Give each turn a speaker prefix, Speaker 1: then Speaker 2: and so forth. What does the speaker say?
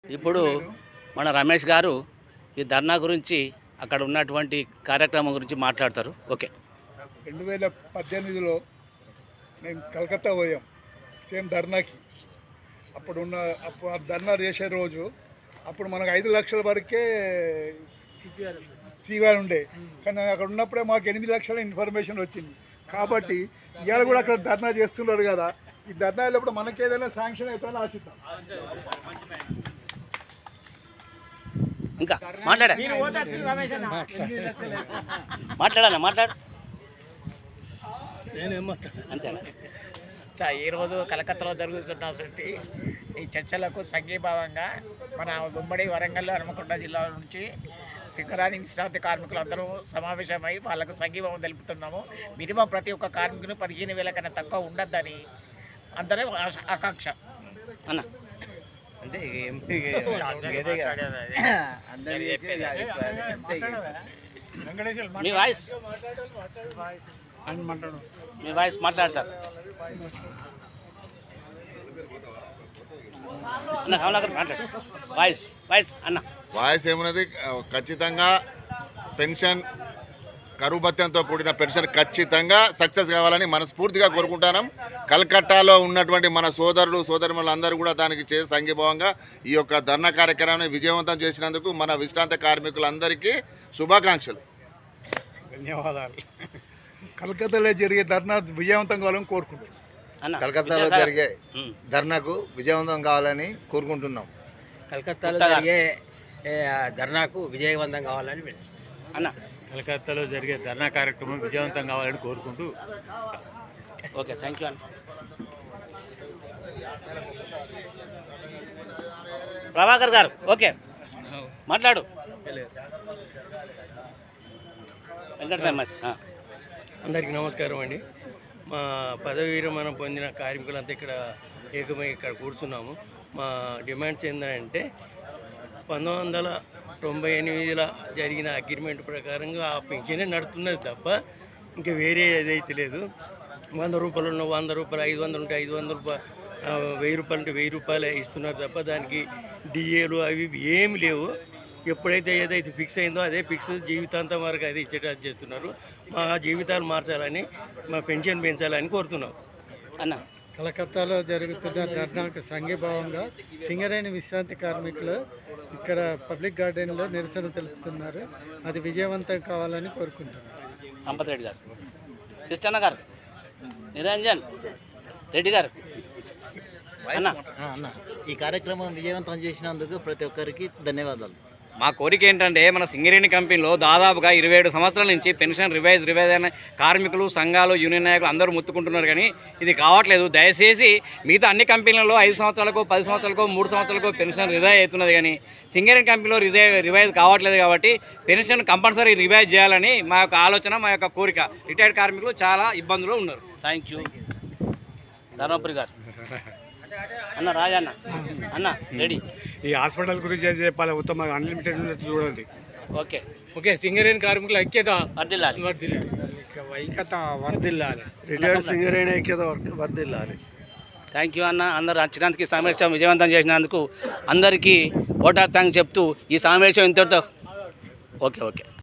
Speaker 1: ఇప్పుడు మన రమేష్ గారు ఈ ధర్నా గురించి అక్కడ ఉన్నటువంటి కార్యక్రమం గురించి మాట్లాడతారు. ఓకే.
Speaker 2: 2018లో మేము కలకత్తా పోయాం సేమ్ ధర్నాకి. అప్పుడు ఆ ధర్నా చేసే రోజు అప్పుడు మనకు 5 లక్షల వరకే సివిఆర్ ఉండే, కానీ అక్కడ ఉన్నప్పుడే మాకు 8 లక్షల ఇన్ఫర్మేషన్ వచ్చింది. కాబట్టి ఇవాళ కూడా అక్కడ ధర్నా చేస్తున్నారు కదా, ఈ ధర్నా వెళ్ళినప్పుడు మనకి ఏదైనా శాంక్షన్ అవుతుందని ఆశిద్దాం.
Speaker 1: ఇంకా మాట్లాడు. అంతేనా?
Speaker 3: ఈరోజు కలకత్తాలో జరుగుతున్నటువంటి ఈ చర్చలకు సంఘీభావంగా మన ఉమ్మడి వరంగల్ హనుమకొండ జిల్లా నుంచి సింగరేణి విశ్రాంతి కార్మికులందరూ సమావేశమై వాళ్ళకు సంఘీభావం తెలుపుతున్నాము. మినిమం ప్రతి ఒక్క కార్మికులు 15,000 కన్నా తక్కువ ఉండద్దని అందరూ ఆకాంక్ష.
Speaker 1: అన్న
Speaker 3: అంటే
Speaker 1: మీ వాయిస్ మాట్లాడు సార్. అన్న కమలాకర్ మాట్లాడు. వాయిస్ అన్న
Speaker 4: వాయిస్ ఏమున్నది, ఖచ్చితంగా పెన్షన్ కరువు భత్యంతో కూడిన పెన్షన్ ఖచ్చితంగా సక్సెస్ కావాలని మనస్ఫూర్తిగా కోరుకుంటున్నాం. కలకట్టాలో ఉన్నటువంటి మన సోదరులు సోదరులు అందరూ కూడా దానికి చేసే సంఘీభావంగా ఈ యొక్క ధర్నా కార్యక్రమాన్ని విజయవంతం చేసినందుకు మన విశ్రాంత కార్మికులందరికీ శుభాకాంక్షలు,
Speaker 2: ధన్యవాదాలు. కలకత్తాలో జరిగే ధర్నా విజయవంతం కావాలని కోరుకుంటున్నాం.
Speaker 5: కలకత్తాలో జరిగే ధర్నాకు విజయవంతం కావాలని కోరుకుంటున్నాం.
Speaker 6: కలకత్తాలో జరిగే ధర్నాకు విజయవంతం కావాలని
Speaker 1: అన్న
Speaker 7: కలకత్తాలో జరిగే ధర్నా కార్యక్రమం విజయవంతం కావాలని కోరుకుంటూ.
Speaker 1: ఓకే, థ్యాంక్ యూ అన్న. ప్రభాకర్ గారు ఓకే మాట్లాడు. వెంకట
Speaker 6: అందరికీ నమస్కారం అండి. మా పదవి విరమణ పొందిన కార్మికులంతా ఇక్కడ ఏకమై ఇక్కడ కూర్చున్నాము. మా డిమాండ్స్ ఏంటంటే 1998లో జరిగిన అగ్రిమెంట్ ప్రకారంగా ఆ పెన్షనే నడుతున్నది తప్ప ఇంకా వేరే ఏదైతే లేదు. 100 రూపాయలు ఉన్న 100 రూపాయలు, 500 ఉంటే 500 రూపాయలు, 1000 రూపాయలు ఉంటే 1000 రూపాయలే ఇస్తున్నారు తప్ప దానికి డిఏలు అవి ఏమి లేవు. ఎప్పుడైతే ఏదైతే ఫిక్స్ అయిందో అదే ఫిక్స్ జీవితాంతం వరకు అదే ఇచ్చేటట్టు చేస్తున్నారు. మా జీవితాలు మార్చాలని, మా పెన్షన్ పెంచాలని కోరుతున్నాం.
Speaker 1: అన్న
Speaker 2: కలకత్తాలో జరుగుతున్న ధర్నాకు సంఘీభావంగా సింగరేణి విశ్రాంతి కార్మికులు ఇక్కడ పబ్లిక్ గార్డెన్లో నిరసన తెలుపుతున్నారు. అది విజయవంతం కావాలని కోరుకుంటున్నారు.
Speaker 1: సంపత్ రెడ్డి గారు, కృష్ణ గారు, నిరంజన్ రెడ్డి గారు.
Speaker 5: అన్న ఈ కార్యక్రమం విజయవంతం చేసినందుకు ప్రతి ఒక్కరికి ధన్యవాదాలు.
Speaker 8: మా కోరిక ఏంటంటే మన సింగరేణి కంపెనీలో దాదాపుగా 27 సంవత్సరాల నుంచి పెన్షన్ రివైజ్ అయిన కార్మికులు, సంఘాలు, యూనియన్ నాయకులు అందరూ ముత్తుకుంటున్నారు, కానీ ఇది కావట్లేదు. దయచేసి మిగతా అన్ని కంపెనీలలో 5 సంవత్సరాలకు, 10 సంవత్సరాలకు, 3 సంవత్సరాలకు పెన్షన్ రివైజ్ అవుతున్నది, కానీ సింగరేణి కంపెనీలో రివైజ్ కావట్లేదు. కాబట్టి పెన్షన్ కంపల్సరీ రివైజ్ చేయాలని మా యొక్క ఆలోచన, మా యొక్క కోరిక. రిటైర్డ్ కార్మికులు చాలా ఇబ్బందులు ఉన్నారు.
Speaker 1: Thank you. ధర్మపురి గారు అన్న, రాజన్న అన్న రెడీ.
Speaker 7: ఈ హాస్పిటల్ గురించి ఏం చెప్పాలి, ఉత్తమ అన్లిమిటెడ్ చూడండి.
Speaker 1: ఓకే
Speaker 6: ఓకే, సింగరేణి కార్మికుల ఐక్యత
Speaker 1: వర్ధిల్లాలి.
Speaker 2: రిటైర్డ్ సింగరేణి ఐక్యత వర్ధిల్లాలి.
Speaker 1: థ్యాంక్ యూ అన్న. అందరూ వచ్చినందుకు, ఈ సమావేశం విజయవంతం చేసినందుకు అందరికీ ఓటా థ్యాంక్స్ చెప్తూ ఈ సమావేశం ఇంతటితో ఓకే.